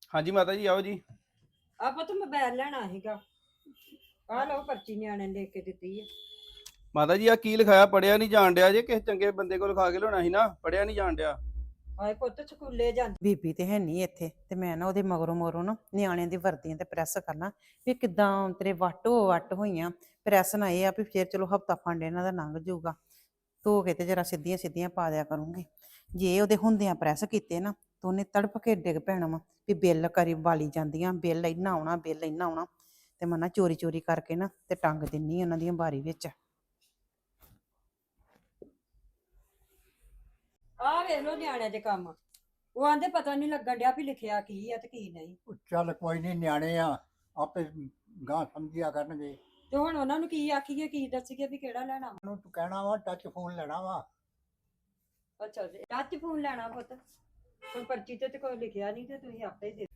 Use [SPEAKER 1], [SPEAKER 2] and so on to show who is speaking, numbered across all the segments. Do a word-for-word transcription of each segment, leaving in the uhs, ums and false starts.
[SPEAKER 1] ਹਾਂਜੀ ਮਾਤਾ ਜੀ ਆਓ ਜੀ।
[SPEAKER 2] ਆਪਾਂ ਤਾਂ ਮੋਬਾਈਲ ਲੈਣਾ ਸੀਗਾ। ਆਹ ਲਓ ਪਰਚੀ ਨਿਆਣੇ ਨੇ ਲਿਖ ਕੇ ਦਿੱਤੀ ਹੈ।
[SPEAKER 1] ਮਾਤਾ ਜੀ ਆ ਕੀ ਲਿਖਾਇਆ? ਪੜਿਆ ਨਹੀਂ ਜਾਣ ਡਿਆ ਜੇ। ਕਿਸੇ ਚੰਗੇ ਬੰਦੇ ਕੋਲ ਲਿਖਾ ਕੇ ਲਿਆਉਣਾ ਸੀ ਨਾ, ਪੜਿਆ ਨਹੀਂ ਜਾਣ ਡਿਆ।
[SPEAKER 2] ਹਾਏ ਪੁੱਤ ਸਕੂਲੇ ਜਾਂਦੀ
[SPEAKER 3] ਬੀਬੀ ਤੇ ਹੈ ਨਹੀਂ ਇੱਥੇ ਤੇ ਮੈਂ ਨਾ ਉਹਦੇ ਮਗਰੋਂ ਮਗਰੋਂ ਨਾ ਨਿਆਣਿਆਂ ਦੀ ਵਰਦੀਆਂ ਤੇ ਪ੍ਰੈਸ ਕਰਨਾ ਵੀ ਕਿਦਾਂ ਤੇਰੇ ਵੱਟ ਹੋ ਵੱਟ ਹੋਈਆਂ ਪ੍ਰੈਸ ਨਾ ਇਹ ਆ ਵੀ ਫੇਰ ਚਲੋ ਹਫਤਾ ਫੰਡ ਇਹਨਾਂ ਦਾ ਲੰਘ ਜਾਊਗਾ। ਧੋ ਕੇ ਤੇ ਜਰਾ ਸਿੱਧੀਆਂ ਸਿੱਧੀਆਂ ਪਾ ਦਿਆ ਕਰੂੰਗੀ। ਜੇ ਉਹਦੇ ਹੁੰਦਿਆਂ ਪ੍ਰੈਸ ਕੀਤੇ ਨਾ ਤਾਂ ਉਹਨੇ ਤੜਫ ਕੇ ਡਿੱਗ ਪੈਣਾ ਵਾ ਵੀ ਬਿੱਲ ਕਰੀ ਵਾਲੀ ਜਾਂਦੀਆਂ, ਬਿੱਲ ਇੰਨਾ ਆਉਣਾ, ਬਿੱਲ ਇੰਨਾ ਆਉਣਾ। ਤੇ ਮੈਂ ਨਾ ਚੋਰੀ ਚੋਰੀ ਕਰਕੇ ਨਾ ਤੇ ਟੰਗ ਦਿੰਨੀ ਉਹਨਾਂ ਦੀਆਂ ਬਾਰੀ ਵਿੱਚ।
[SPEAKER 2] ਆਹ ਵੇਖ ਲਓ ਨਿਆਣਿਆਂ ਦੇ ਕੰਮ। ਉਹ ਆਂਦੇ ਪਤਾ ਨਹੀਂ ਲੱਗਣ ਡਿਆ ਵੀ ਲਿਖਿਆ ਕੀ ਆ ਤੇ ਕੀ ਨਹੀਂ।
[SPEAKER 4] ਉਹ ਚੱਲ ਕੋਈ ਨਹੀਂ, ਨਿਆਣੇ ਆ ਆਪੇ ਗਾਂ ਸਮਝਿਆ ਕਰਨਗੇ।
[SPEAKER 2] ਤੇ ਹੁਣ ਉਹਨਾਂ ਨੂੰ ਕੀ ਆਖੀਏ, ਕੀ ਦੱਸੀਏ ਵੀ ਕਿਹੜਾ ਲੈਣਾ ਵਾ?
[SPEAKER 4] ਉਹਨੂੰ ਤੂੰ ਕਹਿਣਾ ਵਾ ਟੱਚ ਫੋਨ ਲੈਣਾ ਵਾ।
[SPEAKER 2] ਅੱਛਾ ਜੀ, ਟੱਚ ਫੋਨ ਲੈਣਾ ਪੁੱਤ। ਹੁਣ ਪਰਚੀ ਤੇ ਤੇ ਕੋਈ ਲਿਖਿਆ ਨਹੀਂ ਤੇ ਤੁਸੀਂ ਆਪੇ ਦੇ।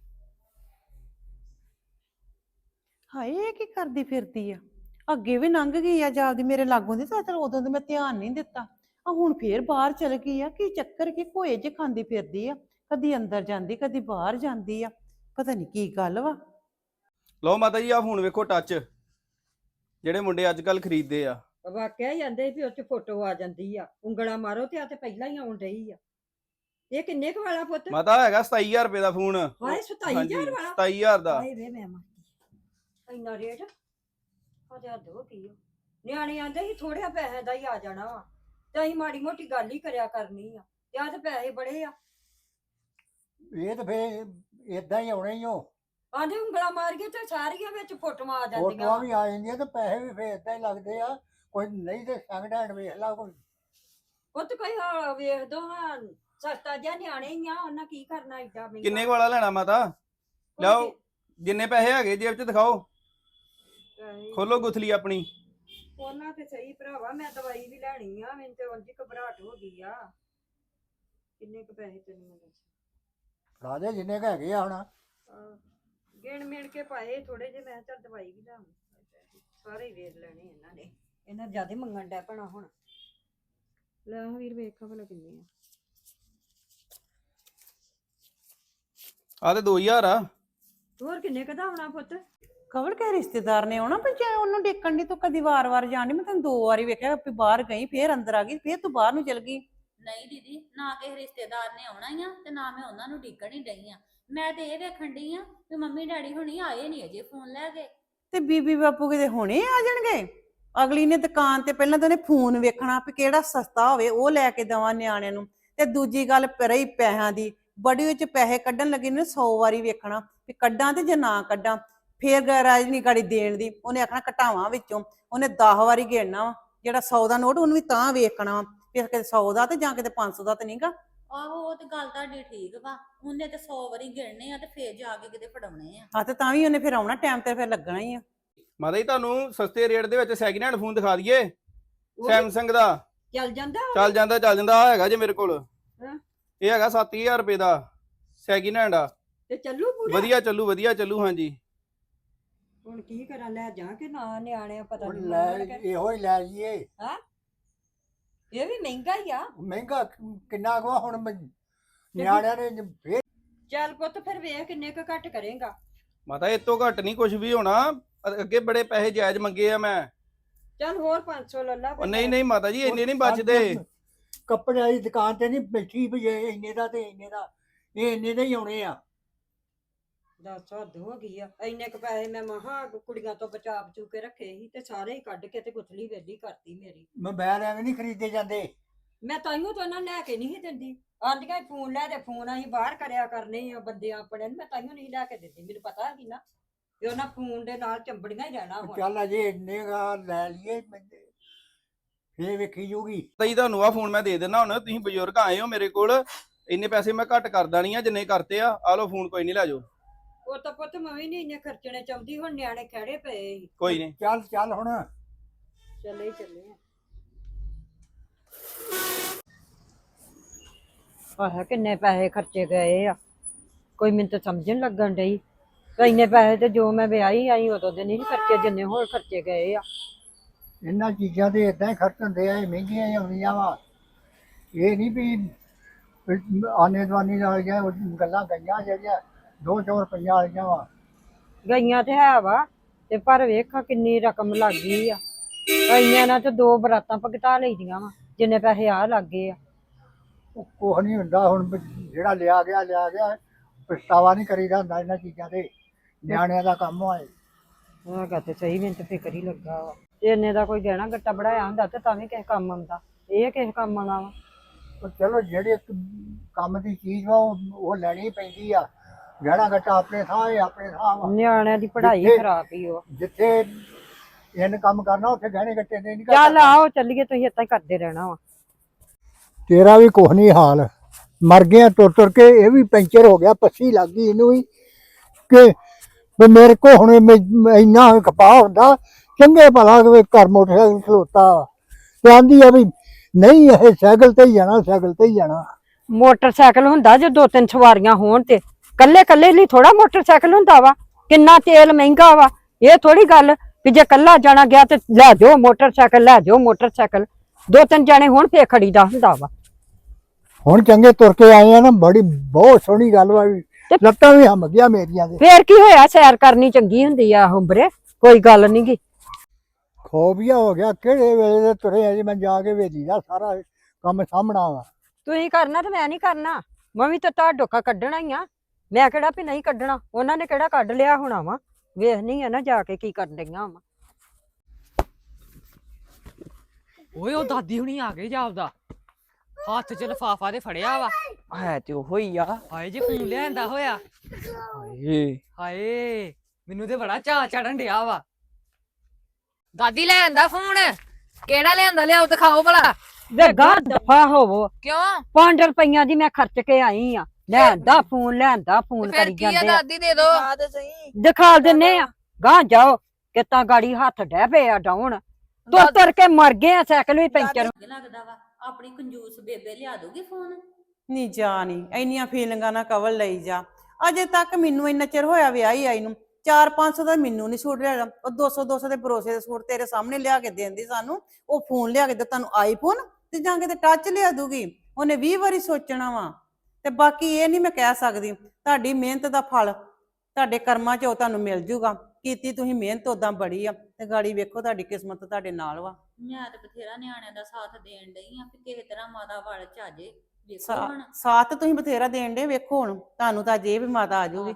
[SPEAKER 3] ਹਾਏ ਇਹ ਕੀ ਕਰਦੀ ਫਿਰਦੀ ਆ? ਅੱਗੇ ਵੀ ਲੰਘ ਗਈ ਆ ਜਾਂਦੀ ਮੇਰੇ ਲਾਗੋਂ ਦੀ ਤਾਂ ਉਦੋਂ ਤੇ ਮੈਂ ਧਿਆਨ ਨਹੀਂ ਦਿੱਤਾ। ਆ ਹੁਣ ਫੇਰ ਬਾਹਰ ਚਲ ਗਈ ਆ। ਕੀ ਚੱਕਰ ਕੀ ਘੋਏ ਜੇ ਖਾਂਦੀ ਫਿਰਦੀ ਆ? ਕਦੀ ਅੰਦਰ ਜਾਂਦੀ ਕਦੀ ਬਾਹਰ ਜਾਂਦੀ ਆ। ਪਤਾ ਨਹੀਂ ਕੀ ਗੱਲ ਵਾ।
[SPEAKER 1] ਲਓ ਮਾਤਾ ਜੀ ਆ ਫੋਨ ਵੇਖੋ ਟੱਚ, ਜਿਹੜੇ ਮੁੰਡੇ ਅੱਜ ਕੱਲ ਖਰੀਦਦੇ ਆ।
[SPEAKER 2] ਵਾਕਿਆ ਹੀ ਆਂਦੇ ਵੀ ਉਹ ਚ ਫੋਟੋ ਆ ਜਾਂਦੀ ਆ, ਉਂਗਲਾਂ ਮਾਰੋ ਤੇ ਆ ਤੇ ਪਹਿਲਾਂ ਹੀ ਆਉਣ ਰਹੀ ਆ। ਇਹ ਕਿੰਨੇ ਕੁ ਵਾਲਾ ਪੁੱਤ?
[SPEAKER 1] ਮਾਤਾ ਹੈਗਾ ਸਤਾਈ ਹਜ਼ਾਰ ਰੁਪਏ ਦਾ ਫੋਨ।
[SPEAKER 2] ਹਾਏ ਸਤਾਈ ਹਜ਼ਾਰ ਵਾਲਾ?
[SPEAKER 1] ਸਤਾਈ ਹਜ਼ਾਰ ਦਾ।
[SPEAKER 2] ਹਾਏ ਵੇ ਮੈਂ ਮਰ ਗਈ। ਇੰਨਾ ਰੇਟ ਹਜੇ ਹੱਦ ਹੋ ਗਈ ਓ। ਨਿਆਣੇ ਆਂਦੇ ਸੀ ਥੋੜਿਆ ਪੈਸੇ ਦਾ ਹੀ ਆ ਜਾਣਾ ਵਾ ਤੇ ਅਸੀਂ ਮਾੜੀ ਮੋਟੀ ਗੱਲ ਹੀ ਕਰਿਆ ਕਰਨੀ ਆ ਤੇ ਆ ਤੇ ਪੈਸੇ ਬੜੇ ਆ।
[SPEAKER 4] ਇਹ ਤਾਂ ਫੇਰ ਏਦਾਂ ਹੀ ਆਉਣੇ ਹੀ ਹੋ।
[SPEAKER 2] ਆਂਦੇ ਉਂਗਲਾਂ ਮਾਰੀਏ ਤੇ ਸਾਰੀਆਂ ਵਿੱਚ ਫੋਟੋਆਂ ਆ
[SPEAKER 4] ਫੋਟੋਆਂ
[SPEAKER 2] ਜਾਂਦੀਆਂ।
[SPEAKER 4] ਵੀ ਆ ਜਾਂਦੀਆਂ ਤੇ ਪੈਸੇ ਵੀ ਫੇਰ ਏਦਾਂ ਹੀ ਲੱਗਦੇ ਆ। ਕੋਈ ਨਹੀਂ ਤੇ ਸੈਕਿੰਡ ਹੈਂਡ ਵੇਖ ਲਾ ਕੋਈ।
[SPEAKER 2] ਪੁੱਤ ਕੋਈ ਹਾਂ ਵੇਖ ਦੋ ਹਾਂ, ਸਸਤਾ ਜਿਹਾ ਨਿਆਣੇ ਹੀ ਆ, ਉਹਨਾਂ ਕੀ ਕਰਨਾ ਏਡਾ ਮਹਿੰਗਾ।
[SPEAKER 1] ਕਿੰਨੇ ਕੁ ਵਾਲਾ ਲੈਣਾ ਮਾਤਾ? ਲਿਆਓ ਜਿੰਨੇ ਪੈਸੇ ਹੈਗੇ ਜੇਬ 'ਚ ਦਿਖਾਓ, ਖੋਲੋ ਗੁਥਲੀ ਆਪਣੀ।
[SPEAKER 2] ਉਹਨਾਂ ਤੇ ਸਹੀ ਭਰਾਵਾ, ਮੈਂ ਦਵਾਈ ਵੀ ਲੈਣੀ ਆ, ਮੈਨੂੰ ਤੇ ਉਂਝ ਹੀ ਘਬਰਾਹਟ ਹੋ ਗਈ ਆ। ਕਿੰਨੇ ਕੁ ਪੈਸੇ ਤੈਨੂੰ ਮੈਂ ਦੱਸ?
[SPEAKER 4] ਫੜਾ ਦੇ ਜਿੰਨੇ ਕੁ ਹੈਗੇ ਆ ਹੁਣ।
[SPEAKER 2] ਆਹ, ਗਿਣ ਮਿਣ ਕੇ ਪਾਏ ਥੋੜੇ ਜਿਹੇ। ਮੈਂ ਕਿਹਾ ਚੱਲ ਦਵਾਈ ਵੀ ਲਾਵਾਂ। ਸਾਰੇ ਹੀ ਵੇਚ ਲੈਣੇ ਇਹਨਾਂ ਨੇ। ਇਹਨਾਂ ਜਿਆਦਾ ਮੰਗਣ ਡੈ ਪੈਣਾ ਹੁਣ। ਲੈ ਵੀਰ ਵੇਖਾ ਭਲਾ ਕਿੰਨੇ ਆ।
[SPEAKER 1] ਆ ਤੇ ਦੋ ਹਜ਼ਾਰ ਆ।
[SPEAKER 2] ਹੋਰ ਕਿੰਨੇ ਕਦਾ ਆਉਣਾ ਪੁੱਤ?
[SPEAKER 3] ਕਵਲ ਕੇ ਰਿਸ਼ਤੇਦਾਰ ਨੇ ਆਉਣਾ ਪਰ ਜੇ ਉਹਨੂੰ ਡੇਕਣ ਦੀ ਤੂੰ ਕਦੀ ਵਾਰ-ਵਾਰ ਜਾਣੀ। ਮੈਂ ਤੈਨੂੰ ਦੋ ਵਾਰੀ ਵੇਖਿਆ ਵੀ ਬਾਹਰ ਗਈ ਫੇਰ ਅੰਦਰ ਆ ਗਈ ਫੇਰ ਤੂੰ ਬਾਹਰ ਨੂੰ ਚਲ ਗਈ।
[SPEAKER 5] ਨਹੀਂ ਦੀਦੀ, ਨਾ ਕਿਸੇ ਰਿਸ਼ਤੇਦਾਰ ਨੇ ਆਉਣਾ ਹੀ ਆ ਤੇ ਨਾ ਮੈਂ ਉਹਨਾਂ ਨੂੰ ਡਿੱਗਣ ਹੀ ਡਈ ਆ। ਮੈਂ ਤੇ ਇਹ ਵੇਖਣ ਡਈ ਆ ਵੀ ਮੰਮੀ ਡੈਡੀ ਹੁਣੀ ਆਏ ਨਹੀਂ ਅਜੇ ਫੋਨ ਲੈ ਕੇ।
[SPEAKER 3] ਤੇ ਬੀਬੀ ਬਾਪੂ ਕਿਤੇ ਹੁਣੇ ਆ ਜਾਣਗੇ? ਅਗਲੀ ਨੇ ਦੁਕਾਨ ਤੇ ਪਹਿਲਾਂ ਤਾਂ ਉਹਨੇ ਫੋਨ ਵੇਖਣਾ ਵੀ ਕਿਹੜਾ ਸਸਤਾ ਹੋਵੇ ਉਹ ਲੈ ਕੇ ਦੇਵਾਂ ਨਿਆਣਿਆਂ ਨੂੰ। ਤੇ ਦੂਜੀ ਗੱਲ ਰਹੀ ਪੈਸਿਆਂ ਦੀ, ਬੜੀ ਵਿੱਚ ਪੈਸੇ ਕੱਢਣ ਲੱਗੇ ਨੇ ਸੌ ਵਾਰੀ ਵੇਖਣਾ ਵੀ ਕੱਢਾਂ ਤੇ ਜੇ ਨਾ ਕੱਢਾਂ। ਫੇਰ ਗੈਰਾਜ ਨਹੀਂ ਗਾੜੀ ਦੇਣ ਦੀ, ਉਹਨੇ ਆਖਣਾ ਘਟਾਵਾਂ ਵਿੱਚੋਂ। ਉਹਨੇ ਦਸ ਵਾਰੀ ਗੇੜਨਾ ਵਾ ਜਿਹੜਾ ਸੌ ਦਾ ਨੋਟ, ਉਹਨੂੰ ਵੀ ਤਾਂ ਵੇਖਣਾ ਵਾ ਵੀ ਕਿਤੇ ਸੌ ਦਾ ਤੇ ਜਾਂ ਕਿਤੇ ਪੰਜ ਸੌ ਦਾ ਤੇ ਨਹੀਂਗਾ।
[SPEAKER 5] ਆਹੋ ਉਹ ਤੇ ਗੱਲ ਤੁਹਾਡੀ ਠੀਕ ਵਾ, ਉਹਨੇ ਤੇ ਸੌ ਵਾਰੀ ਗਿਣਨੇ ਆ ਤੇ ਫੇਰ ਜਾ ਕੇ ਕਿਤੇ ਫੜਾਉਣੇ ਆ।
[SPEAKER 3] ਹਾਂ ਤੇ ਤਾਂ ਵੀ ਉਹਨੇ ਫਿਰ ਆਉਣਾ ਟਾਈਮ ਤੇ ਫਿਰ ਲੱਗਣਾ ਹੀ ਆ।
[SPEAKER 1] ਮਾਤਾ ਜੀ ਤੁਹਾਨੂੰ ਸਸਤੇ ਰੇਟ ਦੇ ਵਿੱਚ ਸੈਕਿੰਡ ਹੈਂਡ ਫੋਨ ਦਿਖਾ ਦਈਏ। ਸੈਮਸੰਗ ਦਾ
[SPEAKER 2] ਚੱਲ ਜਾਂਦਾ
[SPEAKER 1] ਚੱਲ ਜਾਂਦਾ ਚੱਲ ਜਾਂਦਾ ਆ ਹੈਗਾ ਜੇ ਮੇਰੇ ਕੋਲ।
[SPEAKER 2] ਹਾਂ।
[SPEAKER 1] ਇਹ ਹੈਗਾ ਸੱਤ ਹਜ਼ਾਰ ਰੁਪਏ ਦਾ ਸੈਕਿੰਡ ਹੈਂਡ ਆ।
[SPEAKER 2] ਤੇ ਚੱਲੂ ਪੂਰਾ?
[SPEAKER 1] ਵਧੀਆ ਚੱਲੂ ਵਧੀਆ ਚੱਲੂ। ਹਾਂਜੀ
[SPEAKER 2] ਹੁਣ ਕੀ ਕਰਾਂ, ਲੈ ਜਾ ਕੇ ਨਾ ਨਿਆਣੇ ਪਤਾ
[SPEAKER 4] ਉਹ
[SPEAKER 2] ਨਹੀਂ
[SPEAKER 4] ਲੈ ਇਹੋ ਹੀ ਲੈ ਲਈਏ।
[SPEAKER 2] ਇਹ ਵੀ ਮਹਿੰਗਾ ਹੀ ਆ।
[SPEAKER 4] ਮਹਿੰਗਾ ਕਿੰਨਾ ਕੁ ਆ ਹੁਣ? ਮੈਂ- ਨਿਆਣਿਆਂ ਨੇ ਫੇਰ
[SPEAKER 2] ਚੱਲ ਪੁੱਤ ਫਿਰ ਵੇਖ ਕਿੰਨੇ ਕੁ ਘੱਟ ਕਰੇਗਾ।
[SPEAKER 1] ਮਾਤਾ ਇਹ ਤੋਂ ਘੱਟ ਨਹੀਂ ਕੁਝ ਵੀ ਹੋਣਾ। ਅੱਗੇ ਬੜੇ ਪੈਸੇ ਜਾਇਜ਼ ਮੰਗੇ ਆ ਮੈਂ।
[SPEAKER 2] ਚੱਲ ਹੋਰ ਪੰਜ ਸੌ ਲੈ ਲਾ।
[SPEAKER 1] ਉਹ ਨਹੀਂ ਨਹੀਂ ਮਾਤਾ ਜੀ ਇੰਨੇ ਨਹੀਂ ਬਚਦੇ।
[SPEAKER 4] ਕੱਪੜੇ ਵਾਲੀ ਦੁਕਾਨ ਤੇ ਨਹੀਂ ਬੈਠੀ ਵੀ ਇਹ ਇੰਨੇ ਦਾ ਤੇ ਇੰਨੇ ਦਾ, ਇਹ ਇੰਨੇ ਦੇ ਹੀ ਆਉਣੇ ਆ।
[SPEAKER 2] ਦਸ ਹੱਦ ਹੋ ਗਈ ਆ। ਇੰਨੇ ਕੁ ਪੈਸੇ ਮੈਂ ਮਹਾ ਕੁੜੀਆਂ ਤੋਂ ਬਚਾ ਬਚੂ ਕੇ ਰੱਖੇ ਸੀ ਤੇ ਸਾਰੇ ਹੀ ਕੱਢ ਕੇ ਤੇ ਗੁੱਥਲੀ ਵੇਲੀ ਕਰਤੀ ਮੇਰੀ।
[SPEAKER 4] ਮੋਬਾਈਲ ਐਵੇਂ ਨਹੀਂ ਖਰੀਦੇ ਜਾਂਦੇ।
[SPEAKER 2] ਮੈਂ ਤਾਈਓ ਤਾਂ ਉਹਨਾਂ ਲੈ ਕੇ ਨਹੀਂ ਸੀ ਦਿੰਦੀ। ਆਂਦੀਆਂ ਫੋਨ ਲੈ ਦੇ, ਫੋਨ ਅਸੀਂ ਬਾਹਰ ਕਰਿਆ ਕਰਨੇ ਆ ਬੰਦੇ ਆਪਣੇ ਨੂੰ। ਮੈਂ ਤਾਈਓ ਨਹੀਂ ਲੈ ਕੇ ਦਿੰਦੀ, ਮੈਨੂੰ ਪਤਾ ਸੀ ਨਾ ਵੀ ਉਹਨਾਂ ਫੋਨ ਦੇ ਨਾਲ ਚੰਬੜੀਆਂ ਹੀ ਰਹਿਣਾ ਹੁਣ।
[SPEAKER 4] ਚੱਲ ਅਜੇ ਇੰਨੇ ਗਾ ਲੈ ਲਈਏ, ਫੇਰ ਵੇਖੀ ਜੂਗੀ।
[SPEAKER 1] ਤਾਂ ਜੀ ਤੁਹਾਨੂੰ ਆ ਫੋਨ ਮੈਂ ਦੇ ਦਿੰਦਾ ਹੁਣ। ਤੁਸੀਂ ਬਜ਼ੁਰਗ ਆਏ ਹੋ ਮੇਰੇ ਕੋਲ, ਇੰਨੇ ਪੈਸੇ ਮੈਂ ਘੱਟ ਕਰਦਾ ਨਹੀਂ ਆ ਜਿੰਨੇ ਕਰਤੇ ਆ। ਆ ਲਓ ਫੋਨ, ਕੋਈ ਨਹੀਂ ਲੈ ਜਾਓ।
[SPEAKER 2] ਉਹ ਤਾਂ ਪੁੱਤ ਮੈਂ ਵੀ ਨਹੀਂ ਇੰਨੇ ਖਰਚਣੇ ਚਾਹੁੰਦੀ। ਹੁਣ ਨਿਆਣੇ ਖੜੇ ਪਏ ਸੀ।
[SPEAKER 1] ਕੋਈ ਨਹੀਂ
[SPEAKER 4] ਚੱਲ ਚੱਲ ਹੁਣ
[SPEAKER 2] ਚੱਲੇ ਹੀ ਚੱਲੇ ਆ। ਆਹ ਕਿੰਨੇ ਪੈਸੇ ਖਰਚੇ ਗਏ ਆ, ਕੋਈ ਮੈਨੂੰ ਤਾਂ ਸਮਝਣ ਲੱਗਣ ਡਈ। ਤੇ ਇੰਨੇ ਪੈਸੇ ਤੇ ਜੋ ਮੈਂ ਵਿਆਹੀ ਆਈ ਉਦੋਂ ਦੇ ਨਹੀਂ ਖਰਚੇ ਜਿੰਨੇ ਹੋਰ ਖਰਚੇ ਗਏ ਆ।
[SPEAKER 4] ਇਹਨਾਂ ਚੀਜ਼ਾਂ ਦੇ ਇਦਾਂ ਹੀ ਖਰਚ ਹੁੰਦੇ ਆ, ਇਹ ਮਹਿੰਗੀਆਂ ਹੀ ਆਉਂਦੀਆਂ ਵਾ। ਇਹ ਨਹੀਂ ਵੀ ਆਨੇ ਦਵਾਨੀ ਨਾਲ ਜਾਂ ਗੱਲਾਂ ਗਈਆਂ ਜਿਹੜੀਆਂ ਦੋ ਚੌ ਰੁਪਈਆ ਵਾਲੀਆਂ ਵਾ।
[SPEAKER 2] ਗਈਆਂ ਤੇ ਹੈ ਵਾ ਤੇ ਪਰ ਵੇਖਾ ਕਿੰਨੀ ਰਕਮ ਲੱਗ ਗਈ ਆ। ਇੰਨਿਆਂ ਨਾਲ ਤੇ ਦੋ ਬਰਾਤਾਂ ਭਗਤਾ ਲਈਆਂ ਵਾ ਜਿੰਨੇ ਪੈਸੇ ਆ ਲੱਗ ਗਏ ਆ।
[SPEAKER 4] ਉਹ ਕੁਛ ਨਹੀਂ ਹੁੰਦਾ ਹੁਣ ਵੀ ਜਿਹੜਾ ਲਿਆ ਗਿਆ ਲਿਆ ਗਿਆ, ਪਛਤਾਵਾ ਨਹੀਂ ਕਰੀਦਾ ਹੁੰਦਾ ਇਹਨਾਂ ਚੀਜ਼ਾਂ ਤੇ, ਨਿਆਣਿਆਂ ਦਾ ਕੰਮ ਹੋਏ।
[SPEAKER 2] ਹੈਗਾ ਤੇ ਸਹੀ, ਮੈਨੂੰ ਤੇ ਫਿਕਰ ਹੀ ਲੱਗਾ ਵਾ। ਇੰਨੇ ਦਾ ਕੋਈ ਗਹਿਣਾ ਗੱਟਾ ਬਣਾਇਆ ਹੁੰਦਾ ਤੇ ਤਾਂ ਵੀ ਕਿਸੇ ਕੰਮ ਆਉਂਦਾ, ਇਹ ਕਿਸੇ ਕੰਮ ਆਉਣਾ ਵਾ।
[SPEAKER 4] ਪਰ ਚਲੋ ਜਿਹੜੇ ਕੰਮ ਦੀ ਚੀਜ਼ ਵਾ ਉਹ ਉਹ ਲੈਣੀ ਪੈਂਦੀ ਆ। ਗਹਿਣਾ ਗੱਟਾ ਆਪਣੇ ਥਾਂ ਹੈ, ਆਪਣੇ ਥਾਂ ਵਾ।
[SPEAKER 2] ਨਿਆਣਿਆਂ ਦੀ ਪੜ੍ਹਾਈ
[SPEAKER 4] ਜਿੱਥੇ-
[SPEAKER 2] ਖਰਾਬ ਹੀ ਉਹ।
[SPEAKER 4] ਜਿੱਥੇ ਇਹਨ ਕੰਮ ਕਰਨਾ ਉੱਥੇ ਗਹਿਣੇ ਗੱਟੇ ਦੇ ਨਹੀਂ
[SPEAKER 2] ਚੱਲ ਆਓ ਚੱਲੀਏ, ਤੁਸੀਂ ਏਦਾਂ ਹੀ ਕਰਦੇ ਰਹਿਣਾ ਵਾ।
[SPEAKER 4] ਤੇਰਾ ਵੀ ਕੁਛ ਨਹੀਂ ਹਾਲ, ਮਰ ਗਿਆ ਤੁਰ ਤੁਰ ਕੇ। ਇਹ ਵੀ ਪੈਂਚਰ ਹੋ ਗਿਆ, ਪੱਸੀ ਲੱਗ ਗਈ ਇਹਨੂੰ ਵੀ ਕਿ ਵੀ ਮੇਰੇ ਕੋ ਹੁਣ ਮੈਂ- ਇੰਨਾ ਖਪਾ ਹੁੰਦਾ। ਚੰਗੇ ਭਲਾ ਕਿ ਘਰ ਮੋਟਰਸਾਈਕਲ ਖਲੋਤਾ ਤੇ ਆਂਦੀ ਆ ਵੀ ਨਹੀਂ ਇਹ ਸਾਈਕਲ ਤੇ ਹੀ ਜਾਣਾ, ਸਾਈਕਲ ਤੇ ਹੀ ਜਾਣਾ।
[SPEAKER 2] ਮੋਟਰਸਾਈਕਲ ਹੁੰਦਾ ਜੇ ਦੋ ਤਿੰਨ ਸਵਾਰੀਆਂ ਹੋਣ ਤੇ, ਕੱਲੇ ਕੱਲੇ ਲਈ ਥੋੜਾ ਮੋਟਰਸਾਈਕਲ ਹੁੰਦਾ ਵਾ। ਕਿੰਨਾ ਤੇਲ ਮਹਿੰਗਾ ਵਾ। ਇਹ ਥੋੜੀ ਗੱਲ ਵੀ ਜੇ ਕੱਲਾ ਜਾਣਾ ਗਿਆ ਤੇ ਲੈ ਜਾਓ ਮੋਟਰਸਾਈਕਲ, ਲੈ ਜਾਓ ਮੋਟਰਸਾਈਕਲ। ਦੋ ਤਿੰਨ ਜਾਣੇ ਹੋਣ ਫੇਰ ਖੜੀਦਾ ਹੁੰਦਾ ਵਾ।
[SPEAKER 4] ਹੁਣ ਚੰਗੇ ਤੁਰ ਕੇ ਆਏ ਆ ਨਾ, ਬੜੀ ਬਹੁਤ ਸੋਹਣੀ ਗੱਲ ਵਾ। ਵੀ ਲੱਤਾਂ ਵੀ ਹਮ ਗਿਆ ਮੇਰੀਆਂ ਦੇ।
[SPEAKER 2] ਫੇਰ ਕੀ ਹੋਇਆ, ਸੈਰ ਕਰਨੀ ਚੰਗੀ ਹੁੰਦੀ ਆ ਹੁੰਬਰੇ, ਕੋਈ ਗੱਲ ਨੀ ਗੀ।
[SPEAKER 4] ਖੋਬੀਆ ਹੋ ਗਿਆ, ਕਿਹੜੇ ਵੇਲੇ ਦੇ ਤੁਰੇ ਅਜੇ ਮੈਂ ਜਾ ਕੇ ਵੇਲੀ ਦਾ ਸਾਰਾ ਕੰਮ ਸਾਹਮਣਾ ਵਾ।
[SPEAKER 2] ਤੁਸੀਂ ਕਰਨਾ ਤੇ ਮੈਂ ਨਹੀਂ ਕਰਨਾ। ਮੈਂ ਵੀ ਤਾਂ ਤੁਹਾਡਾ ਡੋਕਾ ਕੱਢਣਾ ਹੀ ਆ। ਮੈਂ ਕਿਹੜਾ ਵੀ ਨਹੀਂ ਕੱਢਣਾ, ਉਹਨਾਂ ਨੇ ਕਿਹੜਾ ਕੱਢ ਲਿਆ ਹੋਣਾ ਵਾ। ਵੇਖਣੀ ਆ ਨਾ ਜਾ ਕੇ ਕੀ ਕਰਨ ਡਈਆਂ ਵਾ।
[SPEAKER 6] ਓਏ ਉਹ ਦਾਦੀ ਹੁਣੀ ਆ ਗਏ ਜਾਪਦਾ, ਹੱਥ ਚ ਲਫਾਫਾ ਤੇ ਫੜਿਆ ਵਾ।
[SPEAKER 7] ਹੈ ਤੇ ਉਹੋ ਹੀ ਆ।
[SPEAKER 6] ਹਾਏ ਜੇ ਫੋਨ ਲਿਆਂਦਾ ਹੋਇਆ।
[SPEAKER 7] ਹਾਏ
[SPEAKER 6] ਹਾਏ ਮੈਨੂੰ ਤੇ ਬੜਾ ਚਾਅ ਚੜਨ ਡਿਆ ਵਾ। ਦਾਦੀ ਲਿਆਂਦਾ ਫੋਨ, ਕਿਹੜਾ ਲਿਆਂਦਾ ਲਿਆਓ ਦਿਖਾਓ ਭਲਾ।
[SPEAKER 2] ਵੇ ਗਾਂ ਦਫਾ ਹੋਵੋ।
[SPEAKER 6] ਕਿਉਂ?
[SPEAKER 2] ਪੰਜ ਰੁਪਈਆਂ ਦੀ ਮੈਂ ਖਰਚ ਕੇ ਆਈ ਆ। ਲੈਂਦਾ ਫੋਨ, ਲੈਂਦਾ ਫੋਨ
[SPEAKER 6] ਫਿਰ
[SPEAKER 2] ਕਰੀ
[SPEAKER 6] ਕੀ ਆ
[SPEAKER 2] ਜਾਂਦੇ ਆ।
[SPEAKER 6] ਦਾਦੀ ਦੇ ਦੋ।
[SPEAKER 7] ਆ ਤੇ ਸਹੀ।
[SPEAKER 2] ਦਿਖਾ ਦਿੰਨੇ ਆ, ਗਾਂ ਜਾਓ ਕਿਤਾ ਗਾੜੀ ਹੱਥ ਡਹਿ ਪਏ ਆ ਡਾਉਣ। ਤੁਰ ਤੁਰ ਕੇ ਮਰ ਗਏ ਆ, ਸਾਈਕਲ ਵੀ ਪੈਂਚਰ।
[SPEAKER 5] ਲੱਗਦਾ ਵਾ ਆਪਣੀ ਕੰਜੂਸ ਬੇਬੇ ਲਿਆ ਦੂਗੀ ਫੋਨ।
[SPEAKER 3] ਨਹੀਂ ਜਾ ਨਹੀਂ ਇੰਨੀਆਂ ਫੀਲਿੰਗਾਂ ਨਾਲ ਕਵਰ ਲਈ ਜਾ। ਅਜੇ ਤੱਕ ਮੈਨੂੰ ਇੰਨਾ ਚਿਰ ਹੋਇਆ ਵਿਆਹੀ ਆਈ ਨੂੰ, ਚਾਰ ਪੰਜ ਸੌ ਦਾ ਮੈਨੂੰ ਨਹੀਂ ਸੂਟ ਲਿਆ। ਉਹ ਦੋ ਸੌ ਦੋ ਸੌ ਦੇ ਭਰੋਸੇ ਦੇ ਸੂਟ ਤੇਰੇ ਸਾਹਮਣੇ ਲਿਆ ਕੇ ਦੇਂਦੀ ਸਾਨੂੰ। ਉਹ ਫੋਨ ਲਿਆ ਕੇ ਦੇ ਤੁਹਾਨੂੰ ਆਈਫੋਨ ਤੇ ਜਾਂ ਕਿਤੇ ਟੱਚ ਲਿਆ ਦੂਗੀ। ਉਹਨੇ ਵੀਹ ਵਾਰੀ ਸੋਚਣਾ ਵਾ। ਤੇ ਬਾਕੀ ਇਹ ਨਹੀਂ ਮੈਂ ਕਹਿ ਸਕਦੀ, ਤੁਹਾਡੀ ਮਿਹਨਤ ਦਾ ਫਲ ਤੁਹਾਡੇ ਕਰਮਾਂ 'ਚ ਉਹ ਤੁਹਾਨੂੰ ਮਿਲ ਜੂਗਾ। ਕੀਤੀ ਤੁਸੀਂ ਮਿਹਨਤ ਉਦਾਂ ਬੜੀ ਆ ਤੇ ਗਾੜੀ ਵੇਖੋ ਤੁਹਾਡੀ ਕਿਸਮਤ ਤੁਹਾਡੇ ਨਾਲ ਵਾ।
[SPEAKER 5] ਮੈਂ ਤੇ ਬਥੇਰਾ ਨਿਆਣਿਆਂ ਦਾ ਸਾਥ ਦੇਣ ਡਈ ਆ ਕਿ ਕਿਸੇ ਤਰ੍ਹਾਂ ਮਾਤਾ ਵੱਲ ਚ ਆ ਜੇ। ਵੇਖੋ ਹੁਣ
[SPEAKER 3] ਸਾਥ ਤੁਸੀਂ ਬਥੇਰਾ ਦੇਣ ਦੇ, ਵੇਖੋ ਹੁਣ ਤੁਹਾਨੂੰ ਤਾਂ ਜੇ ਵੀ ਮਾਤਾ ਆ ਜਾਊਗੀ।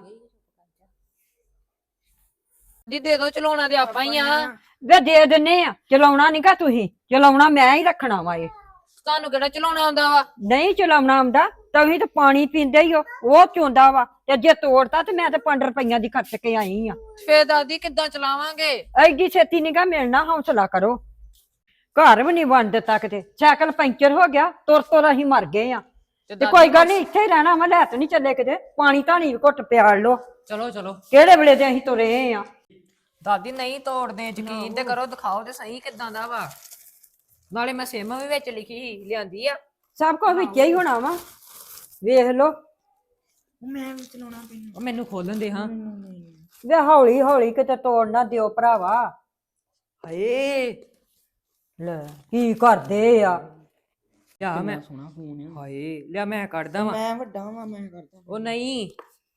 [SPEAKER 6] ਦੀ ਦੇ ਦੋ, ਚਲਾਉਣਾ ਤੇ ਆਪਾਂ ਹੀ ਆ।
[SPEAKER 2] ਵੇ ਦੇ ਦਿੰਨੇ ਆ, ਚਲਾਉਣਾ ਨੀ ਗਾ ਤੁਸੀਂ, ਚਲਾਉਣਾ ਮੈਂ ਹੀ ਰੱਖਣਾ ਵਾ। ਇਹ
[SPEAKER 6] ਤੁਹਾਨੂੰ ਕਿਹੜਾ ਚਲਾਉਣਾ ਆਉਂਦਾ ਵਾ?
[SPEAKER 2] ਨਹੀਂ ਚਲਾਉਣਾ ਆਉਂਦਾ ਤਵੀ ਤਾਂ ਪਾਣੀ ਪੀਂਦੇ ਹੀ ਹੋ, ਉਹ ਚੋਂਦਾ ਵਾ। ਤੇ ਜੇ ਤੋੜਤਾ ਤੇ ਮੈਂ ਤੇ ਪੰਜ ਰੁਪਈਆਂ ਦੀ ਖਰਚ ਕੇ ਆਈ ਆ।
[SPEAKER 6] ਫੇਰ ਦਾਦੀ ਕਿੱਦਾਂ ਚਲਾਵਾਂਗੇ?
[SPEAKER 2] ਐਡੀ ਛੇਤੀ ਨੀ ਗਾ ਮਿਲਣਾ, ਹੌਸਲਾ ਕਰੋ। ਘਰ ਵੀ ਨਹੀਂ ਬਣ ਦਿੱਤਾ ਕਿਤੇ, ਸਾਈਕਲ ਪੈਂਚਰ ਹੋ ਗਿਆ, ਤੁਰ ਤੁਰ ਅਸੀਂ ਮਰ ਗਏ ਆ। ਤੇ ਕੋਈ ਗੱਲ ਨਹੀਂ, ਇੱਥੇ ਹੀ ਰਹਿਣਾ ਵਾ, ਲੈ ਤੇ ਨਹੀਂ ਚੱਲੇ ਕਿਤੇ। ਪਾਣੀ ਧਾਣੀ ਵੀ ਘੁੱਟ ਪਿਆਲ ਲੋ।
[SPEAKER 6] ਚਲੋ ਚਲੋ।
[SPEAKER 2] ਕਿਹੜੇ ਵੇਲੇ ਦੇ ਅਸੀਂ ਤੁਰੇ ਆ।
[SPEAKER 6] ਦਾਦੀ ਨਹੀਂ ਤੋੜਦੇ, ਯਕੀਨ ਤੇ ਕਰੋ, ਦਿਖਾਓ ਤੇ ਸਹੀ ਕਿੱਦਾਂ ਦਾ ਵਾ। ਨਾਲੇ ਮੈਂ ਸਿਮ ਵੀ ਵਿੱਚ ਲਿਖੀ ਸੀ, ਲਿਆਂਦੀ ਆ।
[SPEAKER 2] ਸਭ ਕੁਝ ਵਿੱਚ ਹੀ ਹੋਣਾ ਵਾ, ਵੇਖ ਲੋ।
[SPEAKER 7] ਮੈਂ ਵੀ ਚਲਾਉਣਾ ਪੈਣਾ।
[SPEAKER 6] ਉਹ ਮੈਨੂੰ ਖੋਲਣ ਦੇ ਹਾਂ।
[SPEAKER 2] ਵੇ ਹੌਲੀ ਹੌਲੀ ਕਿਤੇ ਤੋੜ ਨਾ ਦਿਓ ਭਰਾਵਾ।
[SPEAKER 6] ਹਾਏ
[SPEAKER 2] ਲੈ ਕੀ ਕਰਦੇ ਆ।
[SPEAKER 6] ਲਿਆ ਮੈਂ।
[SPEAKER 7] ਸੋਹਣਾ ਫੋਨ ਆ।
[SPEAKER 6] ਹਾਏ ਲਿਆ ਮੈਂ ਕੱਢਦਾ ਵਾਂ।
[SPEAKER 7] ਮੈਂ ਵੱਡਾ ਵਾਂ, ਮੈਂ ਕਰਦਾ।
[SPEAKER 6] ਉਹ ਨਹੀਂ,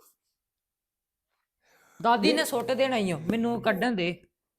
[SPEAKER 6] ਦਾਦੀ ਨੇ ਸੁੱਟ ਦੇਣਾ ਈ ਓ, ਮੈਨੂੰ ਕੱਢਣ ਦੇ।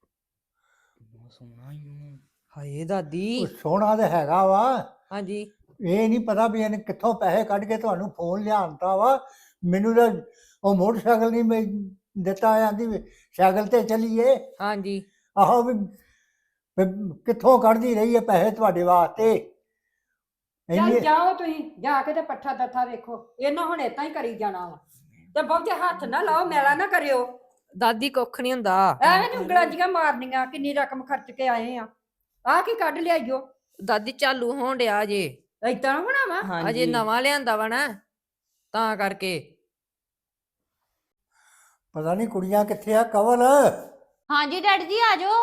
[SPEAKER 7] ਸੋਹਣਾ ਹੀ।
[SPEAKER 6] ਹਾਏ ਦਾਦੀ।
[SPEAKER 4] ਉਹ ਸੋਹਣਾ ਤੇ ਹੈਗਾ ਵਾ।
[SPEAKER 6] ਹਾਂਜੀ।
[SPEAKER 4] ਇਹ ਨਹੀਂ ਪਤਾ ਵੀ ਇਹਨੇ ਕਿੱਥੋਂ ਪੈਸੇ ਕੱਢ ਕੇ ਤੁਹਾਨੂੰ ਫੋਨ ਲਿਆਂਤਾ ਵਾ। ਮੈਨੂੰ ਤਾਂ ਉਹ ਮੋਟਰਸਾਈਕਲ ਨਹੀਂ ਮੈਂ ਦਿੱਤਾ, ਆਂਦੀ ਵੀ ਸਾਈਕਲ ਤੇ ਚੱਲੀਏ।
[SPEAKER 6] ਹਾਂਜੀ।
[SPEAKER 4] ਆਹੋ ਵੀ ਵੀ ਕਿੱਥੋਂ ਕੱਢਦੀ ਰਹੀ ਹੈ ਪੈਸੇ ਤੁਹਾਡੇ ਵਾਸਤੇ।
[SPEAKER 2] ਚੱਲ
[SPEAKER 4] ਇੰਨੇ
[SPEAKER 2] ਜਾਓ ਤੁਸੀਂ, ਜਾ ਕੇ ਤੇ ਪੱਠਾ ਦੱਥਾ ਵੇਖੋ। ਇਹਨਾਂ ਹੁਣ ਏਦਾਂ ਹੀ ਕਰੀ ਜਾਣਾ ਵਾ। ਤੇ ਬਹੁਤੇ ਹੱਥ ਨਾ ਲਾਓ, ਮੈਲਾ ਨਾ ਕਰਿਓ।
[SPEAKER 6] ਦਾਦੀ ਕੁੱਖ ਨਹੀਂ ਹੁੰਦਾ।
[SPEAKER 2] ਐਵੇਂ ਨੀ ਉਂਗਲਾਂ ਜੀਆਂ ਮਾਰਨੀਆਂ। ਕਿੰਨੀ ਰਕਮ ਖਰਚ ਕੇ ਆਏ ਆ, ਆਹ ਕੀ ਕੱਢ ਲਿਆਈਓ।
[SPEAKER 6] ਦਾਦੀ ਚਾਲੂ ਹੋਣ ਡਿਆ ਜੇ,
[SPEAKER 2] ਏਦਾਂ ਹੋਣਾ ਵਾ।
[SPEAKER 6] ਅਜੇ ਨਵਾਂ ਲਿਆਂਦਾ ਵਾ ਨਾ, ਤਾਂ ਕਰਕੇ।
[SPEAKER 4] ਪਤਾ ਨਹੀਂ ਕੁੜੀਆਂ ਕਿੱਥੇ ਆ। ਕਵਲ
[SPEAKER 5] ਹਾਂਜੀ ਡੈਡੀ ਜੀ ਆ ਜਾਓ।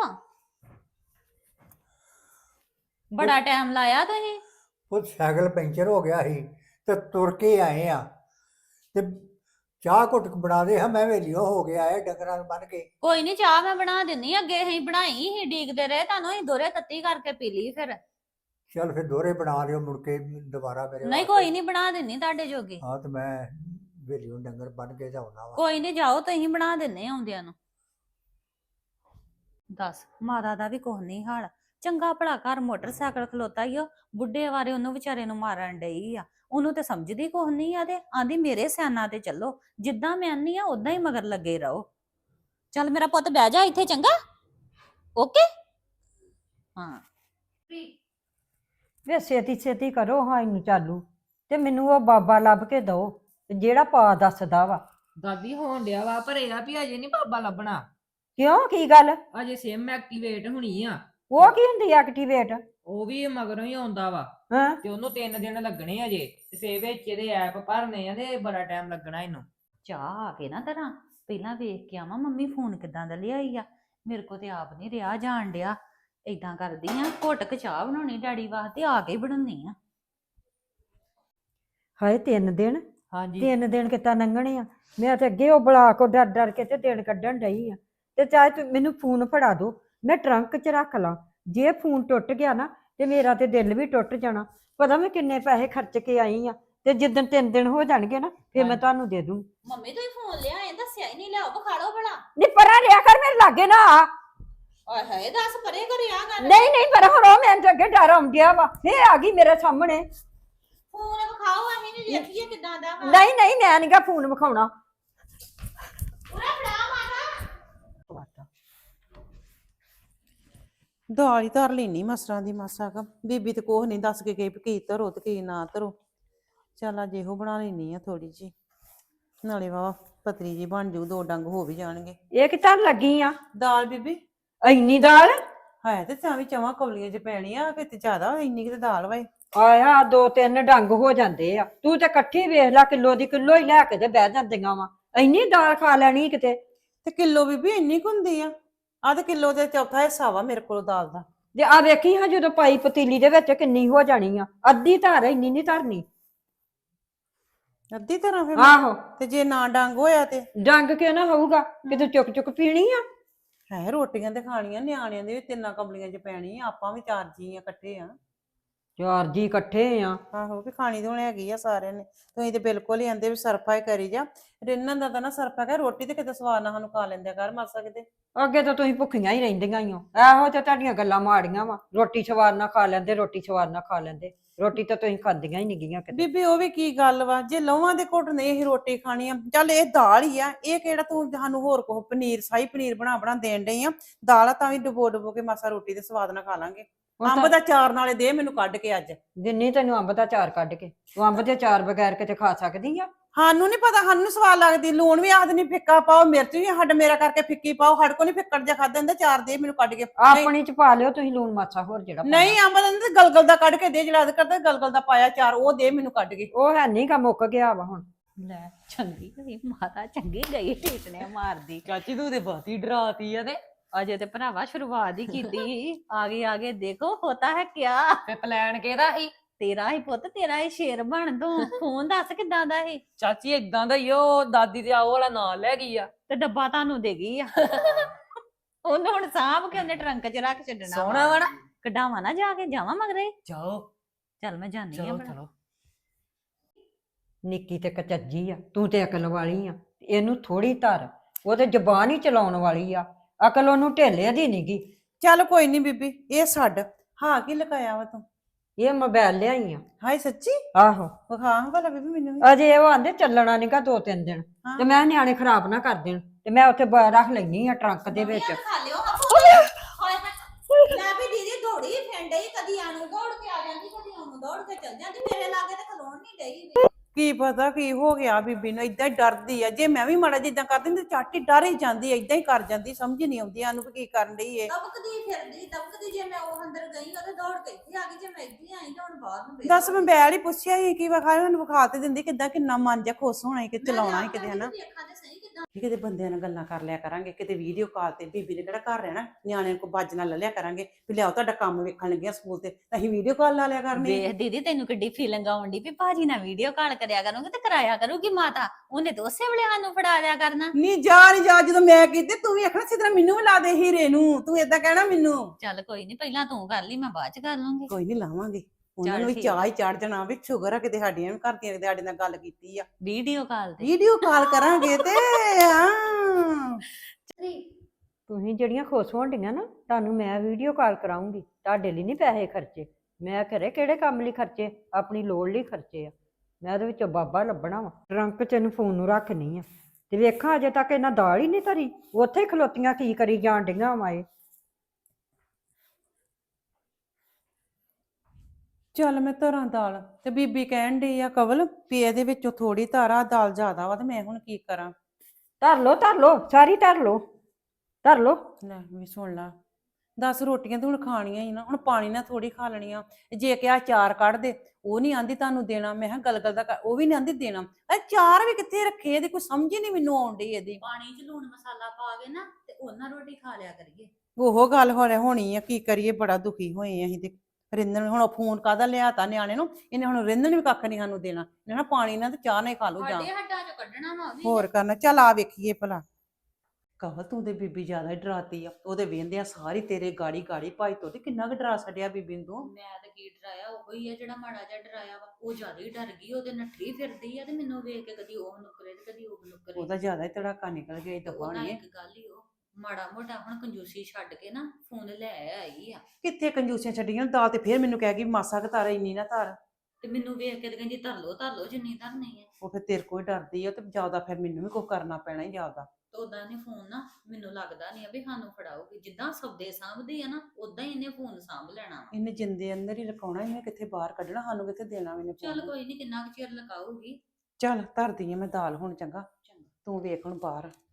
[SPEAKER 5] ਬੜਾ ਟਾਈਮ ਲਾਇਆ ਤੁਸੀਂ।
[SPEAKER 4] ਉਹ ਸਾਈਕਲ ਪੈਂਚਰ ਹੋ ਗਿਆ ਸੀ ਤੇ ਤੁਰ ਕੇ ਆਏ ਆ। ਤੇ ਚਾਹ ਘੁੱਟ ਬਣਾ ਦੇ ਹਾਂ, ਮੈਂ ਵੇਲੀਓ ਹੋ ਗਿਆ ਹੈ ਡੰਗਰਾਂ ਨੂੰ ਬੰਨ ਕੇ।
[SPEAKER 5] ਕੋਈ ਨਹੀਂ, ਚਾਹ ਮੈਂ ਬਣਾ ਦਿੰਨੀ। ਅੱਗੇ ਅਸੀਂ ਬਣਾਈ ਸੀ, ਡੀਕਦੇ ਰਹੇ ਤੁਹਾਨੂੰ, ਅਸੀਂ ਦੋਰੇ ਤੱਤੀ ਕਰਕੇ ਪੀ ਲਈ ਫਿਰ।
[SPEAKER 4] ਚੱਲ ਫਿਰ ਦੋਹਰੇ ਬਣਾ ਲਿਓ ਮੁੜ ਕੇ ਦੁਬਾਰਾ ਮੇਰੇ
[SPEAKER 5] ਨਹੀਂ ਕੋਈ ਨਹੀਂ, ਬਣਾ ਦਿੰਨੀ ਤੁਹਾਡੇ ਜੋਗੇ।
[SPEAKER 4] ਹਾਂ ਤੇ ਮੈਂ ਵੇਲੀਓ ਡੰਗਰ ਬੰਨ ਕੇ ਤਾਂ ਆਉਣਾ ਵਾ।
[SPEAKER 5] ਕੋਈ ਨਹੀਂ ਜਾਓ ਤੁਸੀਂ ਬਣਾ ਦਿੰਨੇ ਆਉਂਦਿਆਂ ਨੂੰ। ਦੱਸ ਮਾਤਾ ਦਾ ਵੀ ਕੁਛ ਨਹੀਂ ਹਾਲ। ਚੰਗਾ ਭਲਾ ਘਰ ਮੋਟਰਸਾਈਕਲ ਖਲੋਤਾ ਈ ਓ, ਬੁੱਢੇ ਵਾਰੇ ਉਹਨੂੰ ਵਿਚਾਰੇ ਨੂੰ ਮਾਰਨ ਡਈ ਆ। ਉਹਨੂੰ ਤੇ ਸਮਝਦੀ ਕੁਛ ਨਹੀਂ ਆ ਤੇ ਆਂਦੀ ਮੇਰੇ ਸਿਆਣਾ ਤੇ ਚੱਲੋ, ਜਿੱਦਾਂ ਮੈਂ ਆਨੀ ਆ ਉਦਾਂ ਹੀ ਮਗਰ ਲੱਗੇ ਰਹੋ। ਚੱਲ ਮੇਰਾ ਪੁੱਤ ਬਹਿ ਜਾ ਇੱਥੇ, ਚੰਗਾ ਓਕੇ। ਹਾਂ
[SPEAKER 2] ਵੇ ਛੇਤੀ ਛੇਤੀ ਕਰੋ ਹਾਂ ਇਹਨੂੰ ਚਾਲੂ, ਤੇ ਮੈਨੂੰ ਉਹ ਬਾਬਾ ਲੱਭ ਕੇ ਦਓ ਤੇ ਜਿਹੜਾ ਪਾ ਦੱਸਦਾ ਵਾ।
[SPEAKER 6] ਦਾਦੀ ਹੋਣ ਡਿਆ ਵਾ, ਪਰ ਇਹ ਆ ਵੀ ਅਜੇ ਨਹੀਂ ਬਾਬਾ ਲੱਭਣਾ।
[SPEAKER 2] ਕਿਉਂ, ਕੀ ਗੱਲ?
[SPEAKER 6] ਅਜੇ ਸਿਮ ਐਕਟੀਵੇਟ ਹੋਣੀ ਆ।
[SPEAKER 2] ਉਹ ਕੀ ਹੁੰਦੀ ਐਕਟੀਵੇਟ?
[SPEAKER 6] ਉਹ ਵੀ ਮਗਰੋਂ ਹੀ ਆਉਂਦਾ ਵਾ,
[SPEAKER 2] ਹਾਂ
[SPEAKER 6] ਤੇ ਉਹਨੂੰ ਤਿੰਨ ਦਿਨ ਲੱਗਣੇ ਅਜੇ, ਤੇ ਫੇਰ ਵਿੱਚ ਇਹਦੇ ਐਪ ਭਰਨੇ ਆ ਤੇ ਬੜਾ ਟਾਈਮ ਲੱਗਣਾ ਇਹਨੂੰ।
[SPEAKER 5] ਚਾਹ ਆ ਕੇ ਨਾ ਤਰਾਂ ਪਹਿਲਾਂ ਵੇਖ ਕੇ ਆਵਾਂ ਮੰਮੀ ਫੋਨ ਕਿਦਾਂ ਦਾ ਲਿਆਈ ਆ। ਮੇਰੇ ਕੋ ਤੇ ਆਪ ਨਹੀਂ ਰਿਹਾ ਜਾਣ ਡਿਆ। ਏਦਾਂ ਕਰਦੀ ਆ, ਘੁੱਟ ਕੇ ਚਾਹ ਬਣਾਉਣੀ ਡੈਡੀ ਵਾਸਤੇ, ਆ ਕੇ ਬਣਾਉਣੀ ਆ।
[SPEAKER 2] ਹਾਏ ਤਿੰਨ ਦਿਨ
[SPEAKER 6] ਹਾਂਜੀ
[SPEAKER 2] ਤਿੰਨ ਦਿਨ ਕਿੱਦਾਂ ਲੰਘਣੇ ਆ? ਮੈਂ ਤੇ ਅੱਗੇ ਉਹ ਬਲਾ ਕੋ ਡਰ ਡਰ ਕੇ ਤੇ ਦਿਨ ਕੱਢਣ ਡਈ ਆ। ਤੇ ਚਾਹੇ ਤੂੰ ਮੈਨੂੰ ਫੋਨ ਫੜਾ ਦੋ, ਮੈਂ ਟਰੰਕ 'ਚ ਰੱਖ ਲਾਂ। ਜੇ ਫੋਨ ਟੁੱਟ ਗਿਆ ਨਾ ਤੇ ਮੇਰਾ ਤੇ ਦਿਲ ਵੀ ਟੁੱਟ ਜਾਣਾ। ਪਤਾ ਮੈਂ ਕਿੰਨੇ ਪੈਸੇ ਖਰਚ ਕੇ ਆਈ ਆ, ਤੇ ਜਿੱਦਣ ਤਿੰਨ ਦਿਨ ਹੋ ਜਾਣਗੇ ਨਾ ਫਿਰ ਮੈਂ ਤੁਹਾਨੂੰ ਦੇ ਦੂੰ।
[SPEAKER 5] ਮੰਮੀ ਤੁਸੀਂ ਫੋਨ ਲਿਆ ਇਹ ਦੱਸਿਆ ਹੀ ਨਹੀਂ, ਲਿਆਓ ਵਿਖਾ ਲਓ ਭਲਾ।
[SPEAKER 2] ਨਹੀਂ ਪਰਾਂ ਰਿਆ ਕਰ, ਮੇਰੇ ਲਾਗੇ ਨਾ ਆ।
[SPEAKER 5] ਆਏ ਹਾਏ ਦੱਸ ਪਰੇ ਕਰੇ ਆ ਗੱਲ।
[SPEAKER 2] ਨਹੀਂ ਨਹੀਂ ਪਰ ਹੁਣ ਉਹ ਮੈਨੂੰ ਤਾਂ ਅੱਗੇ ਡਰ ਆਉਂਦਿਆ ਵਾ, ਫੇਰ ਆ ਗਈ ਮੇਰੇ ਸਾਹਮਣੇ।
[SPEAKER 5] ਫੋਨ ਵਿਖਾਓ ਅਸੀਂ ਨਹੀਂ ਦੇਖੀਏ ਕਿਦਾਂ ਦਾ ਵਾ।
[SPEAKER 2] ਨਹੀਂ ਨਹੀਂ ਮੈਂ ਨੀ ਗਾ ਫੋਨ ਵਿਖਾਉਣਾ।
[SPEAKER 5] ਪੂਰਾ ਫੜਾ ਮਾਤਾ।
[SPEAKER 3] ਦਾਲ ਹੀ ਧਰ ਲੈਣੀ ਮਸਰਾਂ ਦੀ ਮਾਸਾ ਕ ਬੀਬੀ ਤੇ ਕੋਹ ਨਹੀਂ ਦੱਸ ਕੇ ਗਈ ਵੀ ਕੀ ਧਰੋ ਤੇ ਕੀ ਨਾ ਧਰੋ। ਚੱਲ ਅੱਜ ਇਹੋ ਬਣਾ ਲੈਣੀ ਆ ਥੋੜੀ ਜੀ, ਨਾਲੇ ਵਾ ਪਤਲੀ ਜੀ ਬਣ ਜੂ, ਦੋ ਡੰਗ ਹੋ ਵੀ ਜਾਣਗੇ।
[SPEAKER 2] ਇਹ ਕਿੱਦਾਂ ਲੱਗੀ ਆ
[SPEAKER 3] ਦਾਲ ਬੀਬੀ
[SPEAKER 2] ਇੰਨੀ ਦਾਲ?
[SPEAKER 3] ਹੈ ਤੇ ਤਾਂ ਵੀ ਚਵਾਂ ਕੌਲੀਆਂ ਚ ਪੈਣੀ ਆ, ਕਿਤੇ ਜ਼ਿਆਦਾ ਇੰਨੀ ਕਿਤੇ ਦਾਲ ਵਾ।
[SPEAKER 2] ਆਇਆ ਦੋ ਤਿੰਨ ਡੰਗ ਹੋ ਜਾਂਦੇ ਆ। ਤੂੰ ਤੇ ਇਕੱਠੀ ਵੇਖ ਲੈ, ਕਿਲੋ ਦੀ ਕਿਲੋ ਹੀ ਲੈ ਕੇ ਤੇ ਬਹਿ ਜਾਂਦੀਆਂ ਵਾ। ਇੰਨੀ ਦਾਲ ਖਾ ਲੈਣੀ ਕਿਤੇ?
[SPEAKER 3] ਤੇ ਕਿਲੋ ਬੀਬੀ ਇੰਨੀ ਕੁ ਹੁੰਦੀ ਆ? ਆਹ ਤੇ ਕਿਲੋ ਦੇ ਚੌਥਾ ਹਿੱਸਾ ਵਾ ਮੇਰੇ ਕੋਲ ਦਾਲ ਦਾ।
[SPEAKER 2] ਜੇ ਆ ਵੇਖੀ ਹਾਂ ਜਦੋਂ ਪਾਈ ਪਤੀਲੀ ਦੇ ਵਿੱਚ ਕਿੰਨੀ ਹੋ ਜਾਣੀ ਆ। ਅੱਧੀ ਧਰ, ਇੰਨੀ ਨਹੀਂ ਧਰਨੀ।
[SPEAKER 3] ਅੱਧੀ ਤਰ੍ਹਾਂ ਫਿਰ?
[SPEAKER 2] ਆਹੋ
[SPEAKER 3] ਤੇ ਜੇ ਨਾ ਡੰਗ ਹੋਇਆ ਤੇ?
[SPEAKER 2] ਡੰਗ ਕਿਉਂ ਨਾ ਹੋਊਗਾ, ਕਿਤੇ ਚੁੱਕ ਚੁੱਕ ਪੀਣੀ ਆ।
[SPEAKER 3] ਹੈ ਰੋਟੀਆਂ ਤੇ ਖਾਣੀਆਂ, ਨਿਆਣਿਆਂ ਦੇ ਵੀ ਤਿੰਨਾਂ ਕੰਬਲੀਆਂ ਚ ਪੈਣੀ ਆ, ਆਪਾਂ ਵੀ ਚਾਰ ਜੀ ਆ ਇਕੱਠੇ ਆ।
[SPEAKER 2] ਚਾਰ ਜੀ ਇਕੱਠੇ ਆ।
[SPEAKER 3] ਆਹੋ ਵੀ ਖਾਣੀ ਤੇ ਹੁਣ ਹੈਗੀ ਆ ਸਾਰਿਆਂ ਨੇ। ਤੁਸੀਂ ਤੇ ਬਿਲਕੁਲ ਹੀ ਆਂਦੇ ਵੀ ਸਰਫਾ ਹੀ ਕਰੀ ਜਾ। ਰਿੰਨਣ ਦਾ ਤਾਂ ਨਾ ਸਰਫਾ ਕਰ, ਰੋਟੀ ਤੇ ਕਿਤੇ ਸਵਾਦ ਨਾਲ ਸਾਨੂੰ ਖਾ ਲੈਂਦਿਆ ਕਰ ਮਾਸਾ ਕਿਤੇ।
[SPEAKER 2] ਅੱਗੇ ਤਾਂ ਤੁਸੀਂ ਭੁੱਖੀਆਂ ਹੀ ਰਹਿੰਦੀਆਂ ਹੀ ਹੋ। ਇਹੋ ਤੇ ਤੁਹਾਡੀਆਂ ਗੱਲਾਂ ਮਾੜੀਆਂ ਵਾ, ਰੋਟੀ ਸਵਾਦ ਨਾਲ ਖਾ ਲੈਂਦੇ, ਰੋਟੀ ਸਵਾਦ ਨਾਲ ਖਾ ਲੈਂਦੇ। ਰੋਟੀ ਤਾਂ ਤੁਸੀਂ ਖਾਂਦੀਆਂ ਹੀ ਨਹੀਂ ਗੀਆਂ ਕਿਤੇ।
[SPEAKER 3] ਬੀਬੀ ਉਹ ਵੀ ਕੀ ਗੱਲ ਵਾ, ਜੇ ਲਹੂਆਂ ਦੇ ਘੁੱਟ ਨੇ ਇਹ ਰੋਟੀ ਖਾਣੀ ਆ। ਚੱਲ ਇਹ ਦਾਲ ਹੀ ਆ, ਇਹ ਕਿਹੜਾ ਤੂੰ ਸਾਨੂੰ ਹੋਰ ਕੋਹ ਪਨੀਰ ਸ਼ਾਹੀ ਪਨੀਰ ਬਣਾ ਬਣਾ ਦੇਣ ਡਈ ਆ। ਦਾਲ ਆ ਤਾਂ ਵੀ ਡਬੋ ਡਬੋ ਕੇ ਮਾਸਾ ਰੋਟੀ ਦੇ ਸਵਾਦ ਨਾਲ ਖਾ ਲਾਂਗੇ।
[SPEAKER 2] ਹੁਣ
[SPEAKER 3] ਅੰਬ
[SPEAKER 2] ਤਾਂ
[SPEAKER 3] ਦਾ ਚਾਰ ਨਾਲੇ ਦੇ ਮੈਨੂੰ ਕੱਢ ਕੇ ਅੱਜ।
[SPEAKER 2] ਦਿੰਨੀ ਤੈਨੂੰ ਅੰਬ ਦਾ ਚਾਰ ਕੱਢ ਕੇ, ਤੂੰ ਅੰਬ ਦੇ ਚਾਰ ਬਗੈਰ ਕਿਤੇ ਖਾ ਸਕਦੀ ਆ?
[SPEAKER 3] ਸਾਨੂੰ ਨੀ ਪਤਾ, ਸਾਨੂੰ ਸਵਾਦ ਲੱਗਦੀ। ਲੂਣ ਵੀ ਆਖਦੇ ਨੀ ਫਿੱਕਾ ਪਾਓ, ਮਿਰਚ ਵੀ ਹੱਡ ਮੇਰਾ ਕਰਕੇ ਫਿੱਕੀ ਪਾਓ। ਸਾਡੇ ਕੋ ਨੀ ਫਿੱਕੜ ਜਿਹਾ ਖਾਦਾ ਹੁੰਦਾ। ਚਾਰ ਦੇ ਮੈਨੂੰ ਕੱਢ ਕੇ।
[SPEAKER 2] ਆਪਣੀ ਚ ਪਾ ਲਿਓ ਤੁਸੀਂ ਲੂਣ ਮਾਛਾ, ਹੋਰ ਜਿਹੜਾ ਪਾਉਣਾ।
[SPEAKER 3] ਨਹੀਂ ਅੰਬ ਦਾ ਤੇ ਗਲਗਲ ਦਾ ਕੱਢ ਕੇ ਦੇ, ਜਿਹੜਾ ਅਦ ਕਰਦਾ ਗਲਗਲ ਦਾ ਪਾਇਆ ਚਾਰ, ਉਹ ਦੇ ਮੈਨੂੰ ਕੱਢ ਕੇ।
[SPEAKER 2] ਉਹ ਹੈ ਨਹੀਂ ਗਾ, ਮੁੱਕ ਗਿਆ ਵਾ ਹੁਣ।
[SPEAKER 5] ਲੈ ਚੰਗੀ ਗਈ ਮਾਤਾ, ਚੰਗੀ ਗਈ ਟੀਟਨੇ ਮਾਰਦੀ।
[SPEAKER 6] ਚਾਚੀ ਤੂੰ ਤੇ ਬਾਤੀ ਡਰਾਤੀ ਆ। ਤੇ
[SPEAKER 5] ਅਜੇ ਤੇ ਭਰਾਵਾ ਸ਼ੁਰੂਆਤ ਹੀ ਕੀਤੀ। ਆਗੇ ਆਗੇ ਦੇਖੋ ਹੋਤਾ ਹੈ ਕਿਆ।
[SPEAKER 6] ਫੇ ਪਲਾਨ ਕਿਹਦਾ ਸੀ?
[SPEAKER 5] ਤੇਰਾ ਹੀ ਪੁੱਤ, ਤੇਰਾ ਹੀ ਸ਼ੇਰ ਬਣ ਦੋ। ਫੋਨ ਦੱਸ ਕਿਦਾਂ ਦਾ ਸੀ?
[SPEAKER 6] ਚਾਚੀ ਏਦਾਂ ਦਾ ਹੀ ਉਹ ਦਾਦੀ ਤੇ ਆਓ ਵਾਲਾ ਨਾਂ ਲੈ ਗਈ ਆ।
[SPEAKER 5] ਤੇ ਡੱਬਾ ਤੁਹਾਨੂੰ ਦੇ ਗਈ ਆ। ਉਹਨੂੰ ਹੁਣ ਸਾਂਭ ਕੇ ਉਹਨੇ ਟਰੰਕ 'ਚ ਰੱਖ ਛੱਡਣਾ।
[SPEAKER 6] ਸੋਹਣਾ ਵਾ ਨਾ?
[SPEAKER 5] ਕਢਾਵਾਂ ਨਾ ਜਾ ਕੇ, ਜਾਵਾਂ ਮਗਰੇ?
[SPEAKER 6] ਜਾਓ
[SPEAKER 5] ਚੱਲ ਮੈਂ ਜਾਨੀ ਆ
[SPEAKER 6] ਚਲੋ
[SPEAKER 5] ਬੜਾ।
[SPEAKER 6] ਚਲੋ।
[SPEAKER 2] ਨਿੱਕੀ ਤੇ ਕਚੱਜੀ ਆ, ਤੂੰ ਤੇ ਅਕਲ ਵਾਲੀ ਆ। ਇਹਨੂੰ ਥੋੜੀ ਧਰ, ਉਹ ਤੇ ਜ਼ਬਾਨ ਹੀ ਚਲਾਉਣ ਵਾਲੀ ਆ। ਅਕਲ ਉਹਨੂੰ ਢੇਲੇ ਦੀ ਨੀਗੀ।
[SPEAKER 3] ਚੱਲ ਕੋਈ ਨੀ ਬੀਬੀ, ਇਹ ਛੱਡ। ਹਾਂ ਕੀ ਲਗਾਇਆ ਵਾ ਤੂੰ?
[SPEAKER 2] ਇਹ ਮੋਬਾਈਲ ਲਿਆਈ ਆ।
[SPEAKER 3] ਹਾਏ ਸੱਚੀ?
[SPEAKER 2] ਆਹੋ
[SPEAKER 3] ਵਿਖਾ ਹਾਂ ਭਲਾ ਬੀਬੀ ਮੈਨੂੰ ਵੀ।
[SPEAKER 2] ਅਜੇ ਉਹ ਆਂਦੇ ਚੱਲਣਾ ਨੀਗਾ ਦੋ ਤਿੰਨ ਦਿਨ,
[SPEAKER 3] ਹਾਂ।
[SPEAKER 2] ਤੇ ਮੈਂ ਨਿਆਣੇ ਖਰਾਬ ਨਾ ਕਰ ਦੇਣ, ਤੇ ਮੈਂ ਉੱਥੇ ਬ- ਰੱਖ ਲੈਣੀ ਆ ਟਰੰਕ ਦੇ ਵਿੱਚ।
[SPEAKER 5] ਖਾ ਲਿਓ ਹਾਏ ਹਾਏ। ਲੈ ਵੀ ਦੀਦੀ ਦੌੜੀ ਫੈਂਡੇ, ਕਦੀ ਆਣੂ ਦੌੜ ਕੇ ਆ ਜਾਂਦੀ, ਕਦੀ ਉਹਨੂੰ ਦੌੜ ਕੇ ਚਲ ਜਾਂਦੀ। ਮੇਰੇ ਲਾਗੇ ਤੇ ਖਲੋਣ ਨਹੀਂ ਡਈ।
[SPEAKER 3] ਕੀ ਪਤਾ ਕੀ ਹੋ ਗਿਆ ਬੀਬੀ ਨੂੰ, ਏਦਾਂ ਹੀ ਡਰਦੀ ਆ। ਜੇ ਮੈਂ ਵੀ ਮਾੜਾ ਜਿਹਾ ਏਦਾਂ ਕਰਦੀ ਤੇ ਝੱਟ ਹੀ ਡਰ ਹੀ ਜਾਂਦੀ, ਏਦਾਂ ਹੀ ਕਰ ਜਾਂਦੀ। ਸਮਝ ਨਹੀਂ ਆਉਂਦੀ ਇਹਨੂੰ ਵੀ ਕੀ ਕਰਨ ਡਈ ਏ।
[SPEAKER 5] ਦਬਕਦੀ ਫਿਰਦੀ ਦਬਕਦੀ। ਜੇ ਮੈਂ ਉਹ ਅੰਦਰ ਗਈ ਉਹ ਤੇ ਦੌੜ ਕੇ ਇੱਥੇ ਆ ਗਈ। ਜੇ ਮੈਂ ਇੱਥੇ ਆਈ ਤਾਂ ਹੁਣ ਬਾਹਰ ਨੂੰ
[SPEAKER 3] ਦੱਸ ਮੈਂ ਬੈਲ ਹੀ ਪੁੱਛਿਆ ਸੀ ਕੀ ਵਿਖਾਇਆ, ਮੈਨੂੰ ਵਿਖਾ ਤੇ ਦਿੰਦੀ। ਕਿੱਦਾਂ ਕਿੰਨਾ ਮਨ ਜਿਹਾ ਖੁਸ਼ ਹੋਣਾ ਸੀ ਕਿ ਚਲਾਉਣਾ ਸੀ ਕਿਤੇ, ਹਨਾ।
[SPEAKER 5] ਵੇਖਾਂ ਤੇ ਸਹੀ ਕਿਦਾਂ।
[SPEAKER 3] ਕਿਤੇ ਬੰਦਿਆਂ ਨਾਲ ਗੱਲਾਂ ਕਰ ਲਿਆ ਕਰਾਂਗੇ, ਕਿਤੇ ਵੀਡੀਓ ਕਾਲ ਤੇ। ਬੀਬੀ ਨੇ ਕਿਹੜਾ ਘਰ ਰਹਿਣਾ, ਨਿਆਣਿਆਂ ਕੋ ਬੱਜ ਨਾਲ ਲੈ ਲਿਆ ਕਰਾਂਗੇ ਵੀ ਲਿਆਓ ਤੁਹਾਡਾ ਕੰਮ ਵੇਖਣ ਲੱਗਿਆ ਸਕੂਲ ਤੇ, ਅਸੀਂ ਵੀਡੀਓ ਕਾਲ ਲਾ ਲਿਆ ਕਰਨੀ।
[SPEAKER 5] ਵੇਖ ਦੀਦੀ ਤੈਨੂੰ ਕਿੱਡੀ ਫੀਲਿੰਗ ਆਉਂਦੀ ਵੀ ਭਾਜੀ ਨਾਲ ਵੀਡੀਓ ਕਾਲ ਕਰਿਆ ਕਰੂੰਗੀ ਤੇ ਕਰਾਇਆ ਕਰੂਗੀ ਮਾਤਾ। ਉਹਨੇ ਤਾਂ ਉਸੇ ਵੇਲੇ ਸਾਨੂੰ ਫੜਾ ਲਿਆ ਕਰਨਾ।
[SPEAKER 3] ਨਹੀਂ ਜਾ ਨਹੀਂ ਜਾ, ਜਦੋਂ ਮੈਂ ਕੀਤੀ ਤੂੰ ਵੀ ਆਖਣਾ ਸਿੱਧਾ ਮੈਨੂੰ ਵੀ ਲਾ ਦੇ ਹੀਰੇ ਨੂੰ। ਤੂੰ ਏਦਾਂ ਕਹਿਣਾ ਮੈਨੂੰ।
[SPEAKER 5] ਚੱਲ ਕੋਈ ਨਹੀਂ, ਪਹਿਲਾਂ ਤੂੰ ਕਰ ਲਈ, ਮੈਂ ਬਾਅਦ ਚ ਕਰ ਲੂੰਗੀ।
[SPEAKER 3] ਕੋਈ ਨਹੀਂ ਲਾਵਾਂਗੇ। ਉਹਨਾਂ
[SPEAKER 5] ਚੱਲ
[SPEAKER 3] ਨੂੰ ਵੀ
[SPEAKER 5] ਠੀਕ
[SPEAKER 3] ਚਾਹ
[SPEAKER 5] ਆ।
[SPEAKER 3] ਹੀ ਚੜ ਜਾਣਾ ਵੀ ਸ਼ੁਗਰ ਆ ਕਿਤੇ ਸਾਡੀਆਂ ਵੀ ਘਰ ਦੀਆਂ ਕਿਤੇ ਸਾਡੇ ਨਾਲ ਗੱਲ ਕੀਤੀ ਆ।
[SPEAKER 5] ਵੀਡੀਓ ਕਾਲ ਤੇ
[SPEAKER 3] ਵੀਡੀਓ ਕਾਲ ਕਰਾਂਗੇ ਤੇ ਹਾਂ
[SPEAKER 2] ਤੁਸੀਂ ਜਿਹੜੀਆਂ ਖੁਸ਼ ਹੋਣਡੀਆਂ ਨਾ ਤੁਹਾਨੂੰ ਮੈਂ ਵੀਡੀਓ ਕਾਲ ਕਰਾਉਂਗੀ, ਤੁਹਾਡੇ ਲਈ ਨਹੀਂ ਪੈਸੇ ਖਰਚੇ। ਮੈਂ ਘਰੇ ਕਿਹੜੇ ਕੰਮ ਲਈ ਖਰਚੇ, ਆਪਣੀ ਲੋੜ ਲਈ ਖਰਚੇ ਆ। ਮੈਂ ਉਹਦੇ ਵਿੱਚੋਂ ਬਾਬਾ ਲੱਭਣਾ ਵਾ, ਟਰੰਕ ਚ ਇਹਨੂੰ ਫੋਨ ਨੂੰ ਰੱਖਣੀ ਆ ਤੇ ਵੇਖਾਂ ਅਜੇ ਤੱਕ ਇਹਨਾਂ ਦਾਲ ਹੀ ਨਹੀਂ ਧਰੀ, ਉੱਥੇ ਹੀ ਖਲੋਤੀਆਂ ਕੀ ਕਰੀ ਜਾਣ ਡੀਆਂ ਵਾ ਇਹ।
[SPEAKER 3] ਚੱਲ ਮੈਂ ਧਰਾਂ ਦਾਲ ਤੇ ਬੀਬੀ ਕਹਿਣ ਡਈ ਆ ਕਵਲ ਵੀ ਇਹਦੇ ਵਿੱਚੋਂ ਥੋੜੀ ਧਾਰਾ ਦਾਲ ਜ਼ਿਆਦਾ ਵਾ ਤੇ ਮੈਂ ਹੁਣ ਕੀ ਕਰਾਂ।
[SPEAKER 2] ਧਰ ਲੋ ਧਰ ਲੋ ਸਾਰੀ ਧਰ ਲੋ ਧਰ ਲੋ।
[SPEAKER 3] ਲੈ ਵੀ ਸੁਣ ਲਾ, ਦਸ ਰੋਟੀਆਂ ਤੇ ਹੁਣ ਖਾਣੀਆਂ ਹੀ ਨਾ, ਹੁਣ ਪਾਣੀ ਨਾਲ ਥੋੜੀ ਖਾ ਲੈਣੀਆਂ। ਜੇ ਕਿਹਾ ਚਾਰ ਕੱਢ ਦੇ, ਉਹ ਨਹੀਂ ਆਂਦੀ ਤੁਹਾਨੂੰ ਦੇਣਾ। ਮੈਂ ਕਿਹਾ ਗਲਗਲ ਦਾ ਕਰ- ਉਹ ਵੀ ਨਹੀਂ ਆਂਦੀ ਦੇਣਾ। ਅਰੇ ਚਾਰ ਵੀ ਕਿੱਥੇ ਰੱਖੇ, ਇਹਦੀ ਕੋਈ ਸਮਝ ਹੀ ਨਹੀਂ ਮੈਨੂੰ ਆਉਣ ਡਈ ਇਹਦੀ।
[SPEAKER 5] ਪਾਣੀ 'ਚ ਲੂਣ ਮਸਾਲਾ ਪਾ ਕੇ ਨਾ ਤੇ ਉਹਨਾਂ ਰੋਟੀ ਖਾ ਲਿਆ ਕਰੀਏ।
[SPEAKER 3] ਉਹ ਗੱਲ ਹੋ ਹੋਣੀ ਆ, ਕੀ ਕਰੀਏ, ਬੜਾ ਦੁਖੀ ਹੋਏ ਅਸੀਂ ਤੇ। ਰਿੰਦਣ ਹੁਣ ਫੋਨ ਕਾਹਦਾ ਲਿਆਤਾ ਨਿਆਣੇ ਨੂੰ, ਇਹਨੇ ਹੁਣ ਰਿੰਦਣ ਵੀ ਕੱਖ ਨਹੀਂ ਸਾਨੂੰ ਦੇਣਾ। ਇਹਨੇ ਨਾ ਪਾਣੀ ਨਾਲ ਤੇ ਚਾਹ ਨਾਲ ਹੀ ਖਾ ਲਓ ਜਾਂ
[SPEAKER 5] ਸਾਡੇ ਹੱਡਾਂ 'ਚ ਕੱਢਣਾ ਵਾ ਉਹ ਵੀ।
[SPEAKER 3] ਹੋਰ ਕਰਨਾ। ਚੱਲ ਆ ਵੇਖੀਏ ਭਲਾ। ਕਵਲ ਤੂੰ ਤੇ ਬੀਬੀ ਜ਼ਿਆਦਾ ਹੀ ਡਰਾਤੀ ਆ। ਉਹਦੇ ਵੇਂਦਿਆਂ ਸਾਰੀ ਤੇਰੇ ਗਾੜੀ ਗਾੜੀ ਭਾਈ ਤੋਂ ਤੇ ਕਿੰਨਾ ਕੁ ਡਰਾ ਛੱਡਿਆ ਬੀਬੀ ਨੂੰ ਤੂੰ।
[SPEAKER 5] ਮੈਂ ਤਾਂ ਕੀ ਡਰਾਇਆ, ਉਹ ਹੀ ਆ ਜਿਹੜਾ ਮਾੜਾ ਜਿਹਾ ਡਰਾਇਆ ਵਾ। ਉਹ ਜ਼ਿਆਦਾ ਹੀ ਡਰ ਗਈ, ਉਹਦੇ ਨੱਠੀ ਫਿਰਦੀ ਆ ਤੇ ਮੈਨੂੰ ਵੇਖ ਕੇ ਕਦੀ ਉਹ ਨੁਕਰੇ ਤੇ ਕਦੀ ਉਹ ਨੁਕਰੇ।
[SPEAKER 3] ਉਹਦਾ ਜ਼ਿਆਦਾ ਹੀ ਧੜਾਕਾ ਨਿਕਲ ਗਿਆ
[SPEAKER 5] ਤੇ
[SPEAKER 3] ਦਫਾ
[SPEAKER 5] ਉਹਦਾ
[SPEAKER 3] ਹੋਣੀ
[SPEAKER 5] ਇੱਕ ਗੱਲ ਹੀ ਉਹ ਮਾੜਾ ਮੋਟਾ ਹੁਣ ਕੰਜੂਸੀ ਛੱਡ ਕੇ ਨਾ ਫੋਨ ਲੈ ਆਈ ਆ।
[SPEAKER 3] ਕਿੱਥੇ ਕੰਜੂਸੀਆਂ ਛੱਡੀਆਂ ਦਾਲ ਤੇ ਫੇਰ ਮੈਨੂੰ ਕਹਿ ਗਈ ਮਾਸਾ ਕੁ ਧਰ, ਇੰਨੀ ਨਾ ਧਰ।
[SPEAKER 5] ਤੇ ਮੈਨੂੰ ਵੇਖ ਕੇ ਤੇ ਕਹਿੰਦੀ ਧਰ ਲੋ ਧਰ ਲੋ ਜਿੰਨੀ ਧਰਨੀ ਆ।
[SPEAKER 3] ਉਹ ਫਿਰ ਤੇਰੇ ਕੋਲ ਹੀ ਡਰਦੀ ਆ ਤੇ ਜ਼ਿਆਦਾ ਫਿਰ ਮੈਨੂੰ ਵੀ ਕੁਝ ਕਰਨਾ ਪੈਣਾ ਹੀ ਜ਼ਿਆਦਾ।
[SPEAKER 5] ਤੇ ਉਦਾਂ ਨੇ ਫੋਨ ਨਾ ਮੈਨੂੰ ਲੱਗਦਾ ਨਹੀਂ ਆ ਵੀ ਸਾਨੂੰ ਫੜਾਉਗੀ। ਜਿੱਦਾਂ ਸੌਦੇ ਸਾਂਭਦੀ ਆ ਨਾ ਉਦਾਂ ਹੀ ਇਹਨੇ ਫੋਨ ਸਾਂਭ ਲੈਣਾ ਵਾ।
[SPEAKER 3] ਇਹਨੇ ਜਿੰਦੇ ਅੰਦਰ ਹੀ ਰਕਾਉਣਾ, ਇਹਨੇ ਕਿੱਥੇ ਬਾਹਰ ਕੱਢਣਾ, ਸਾਨੂੰ ਕਿੱਥੇ ਦੇਣਾ ਇਹਨੇ
[SPEAKER 5] ਚੱਲ
[SPEAKER 3] phone।
[SPEAKER 5] ਕੋਈ ਨਹੀਂ, ਕਿੰਨਾ ਕੁ ਚਿਰ ਲਗਾਊਗੀ।
[SPEAKER 3] ਚੱਲ ਧਰਦੀ ਆ ਮੈਂ ਦਾਲ ਹੁਣ, ਚੰਗਾ ਤੂੰ ਵੇਖ ਹੁਣ ਬਾਹਰ।